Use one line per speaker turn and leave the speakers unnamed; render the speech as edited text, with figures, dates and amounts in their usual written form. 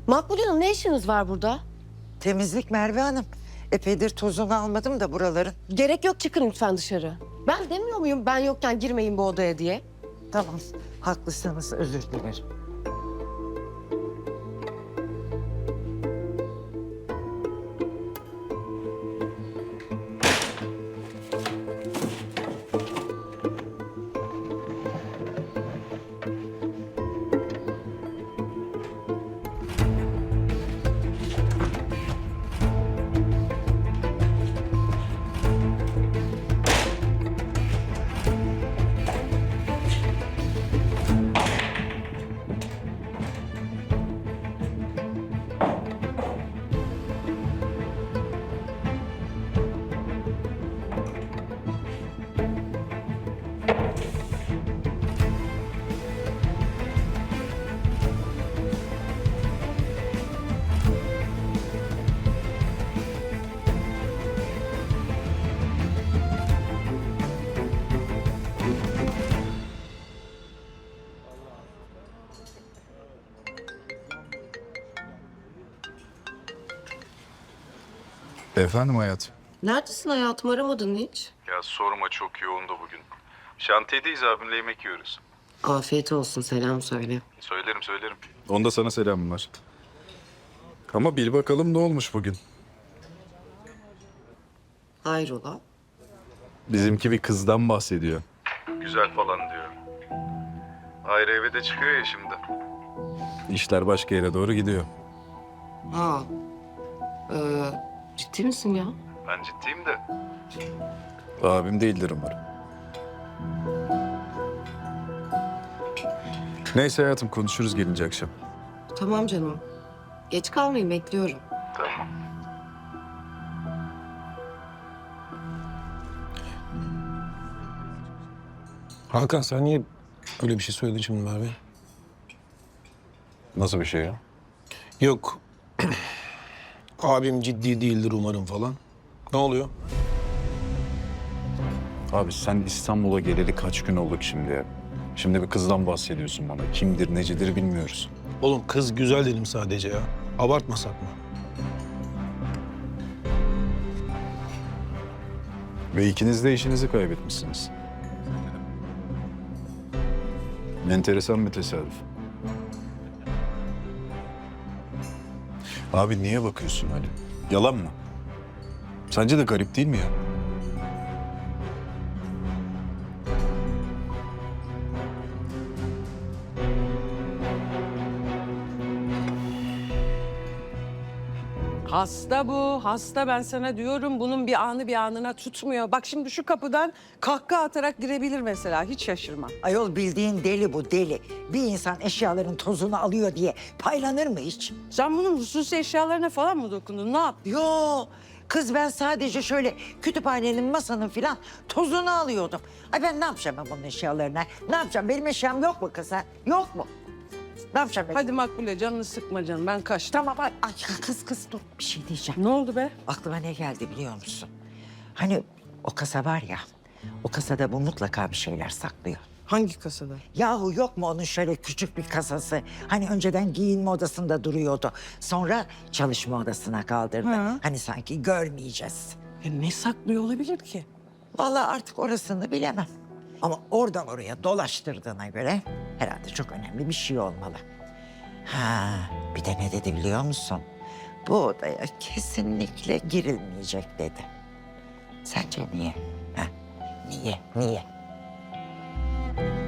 Makbule Hanım, ne işiniz var burada?
Temizlik Merve Hanım. Epeydir tozunu almadım da buraların.
Gerek yok, çıkın lütfen dışarı. Ben demiyor muyum ben yokken girmeyin bu odaya diye?
Tamam, haklısınız, özür dilerim.
Efendim hayatım.
Neredesin hayatım, aramadın hiç?
Ya sorma, çok yoğun da bugün. Şantiyedeyiz, abimle yemek yiyoruz.
Afiyet olsun, selam söyle.
Söylerim. Onda sana selamım var. Ama bil bakalım ne olmuş bugün.
Hayrola?
Bizimki bir kızdan bahsediyor. Güzel falan diyor. Ayrı eve de çıkıyor ya şimdi. İşler başka yere doğru gidiyor.
Ha. Ciddi misin ya?
Ben ciddiyim de. Abim değildir umarım. Neyse hayatım, konuşuruz gelince akşam.
Tamam canım. Geç kalmayın, bekliyorum.
Tamam.
Hakan sen niye öyle bir şey söyledin şimdi Merve?
Nasıl bir şey ya?
Yok. Abim ciddi değildir umarım falan. Ne oluyor?
Abi sen İstanbul'a geleli kaç gün olduk şimdi ya? Şimdi bir kızdan bahsediyorsun bana. Kimdir, necidir bilmiyoruz.
Oğlum kız güzel dedim sadece ya. Abartmasak mı?
Ve ikiniz de işinizi kaybetmişsiniz. Enteresan bir tesadüf. Abi niye bakıyorsun Ali? Yalan mı? Sence de garip değil mi ya?
Hasta bu, hasta ben sana diyorum. Bunun bir anı bir anına tutmuyor. Bak şimdi şu kapıdan kahkaha atarak girebilir mesela. Hiç şaşırma.
Ayol bildiğin deli bu, deli. Bir insan eşyaların tozunu alıyor diye paylanır mı hiç?
Sen bunun hususi eşyalarına falan mı dokundun? Ne yaptın?
Yo, kız ben sadece şöyle kütüphanenin, masanın filan tozunu alıyordum. Ay ben ne yapacağım ben bunun eşyalarına? Ne yapacağım? Benim eşyam yok mu kız ha? Yok mu? Ne yapacağım ben?
Hadi Makbule canını sıkma canım. Ben kaçtım.
Tamam, ay kız dur, bir şey diyeceğim.
Ne oldu be?
Aklıma ne geldi biliyor musun? Hani o kasa var ya, o kasada bu mutlaka bir şeyler saklıyor.
Hangi kasada?
Yahu yok mu onun şöyle küçük bir kasası? Hani önceden giyinme odasında duruyordu. Sonra çalışma odasına kaldırdı.
Hı.
Hani sanki görmeyeceğiz.
Ne saklıyor olabilir ki?
Vallahi artık orasını bilemem. Ama oradan oraya dolaştırdığına göre herhalde çok önemli bir şey olmalı. Ha, bir de ne dedi biliyor musun? Bu odaya kesinlikle girilmeyecek dedi. Sence niye? Ha, niye?